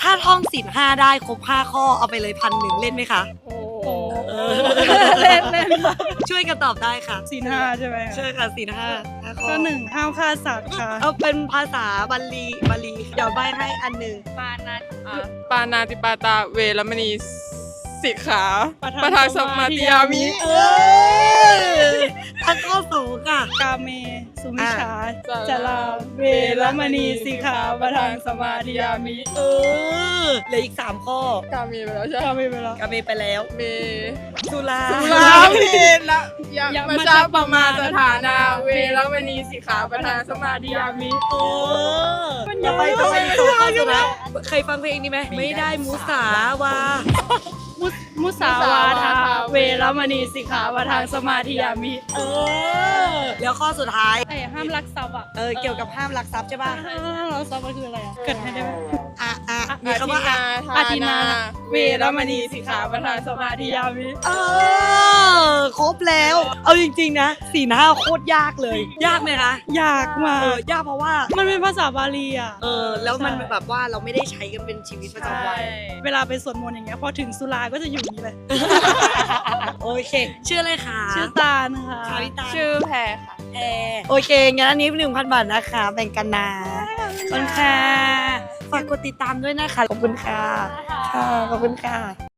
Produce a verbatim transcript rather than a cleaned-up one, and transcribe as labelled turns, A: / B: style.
A: ถ้าท่องศีลห้าได้ครบห้าข้อเอาไปเลยพันหนึ่งเล่นไหมคะ
B: โอ้
A: เออ
B: เล่นเล่น
A: ช่วยกันตอบได้ค่ะ
B: ศีลห้าใช่ไหม
A: ใช่ค่ะศีลห้าห้าข้อ
B: ข้อหนึ่งห้ามฆ่าสัตว์ค่ะ
A: เอาเป็นภาษาบาลีบาลีเดี๋ยวใบให้อันหนึ่ง
C: ปานา
D: ปานาติปาตาเวรมณีสิกขา
B: ป
D: ประ
B: ทา
D: ทาน น
B: ส
D: ส
B: มา
D: มา
B: ธิ
D: ธิ
B: ยาย
D: า
B: มิ
D: มิ
A: เอออันข้อสูงค่ะ
B: กาเมสุมิชฌา
D: อ่ะ
B: จลาเวรมณีสิกขาประทานสมาธิยามิ
A: เออเหลืออีกสามข้อก
D: ามีไปแล้วใช่
B: กา
D: ไหม
B: เมไปแล้ว
A: กาเมไปแล้ว
D: เม
A: สุรา
D: สุราเมละยะ
B: ยะ
D: มัชฌะปมาสถานาเวรมณีสิกขาประทานสมาธิยามิ
A: เออต่อไปต่อไปต่อข้อสุดนะเคยฟังเพลงนี้ไหมไม่ได้มุสาวา
B: มุสมุสาวาทาเวรมณีสิกขาประทานสมาธิยามิ
A: เออแล้วข้อสุดท้าย
B: ไอ้ห้ามลักทรัพย์อ่ะ
A: เออเกี่ยวกับห้ามลักทรัพย์ใช่ป่ะ
B: ห้ามลักทรัพย์มันคืออะไรอ่ะเกิดให้ได้ไหม
A: อ่ะอ่ะมีคำว่าอ่ะ
B: อาทินาเวรมณีสิกขาประทานสมาธิยามิ
A: เออครบแล้ว เอาจริงๆนะสี่ห้าโคตรยากเลย ยากไหมคะ
B: อยากมา
A: เออยากเพราะว่า
B: มันเป็นภาษาบาลีอ่ะ
A: เออแล้วมัน
B: ใช่
A: แบบว่าเราไม่ได้ใช้กันเป็นชีวิตประจำวัน
B: เวลาไปสวดมนต์อย่างเงี้ยพอถึงสุราก็จะอยู่อย่างนี้เลย
A: โอเคชื่ออะไรคะ
B: ชื่อตาลค่ะ
A: ชาวิตา
D: ชื่อแพรค่ะ
A: แอร์โอเคงั้นอันนี้หนึ่งพันบาทนะคะแบ่งกันนะขอบคุณค่ะฝากกดติดตามด้วยนะคะขอบคุณค่ะค่ะขอบคุณค่ะ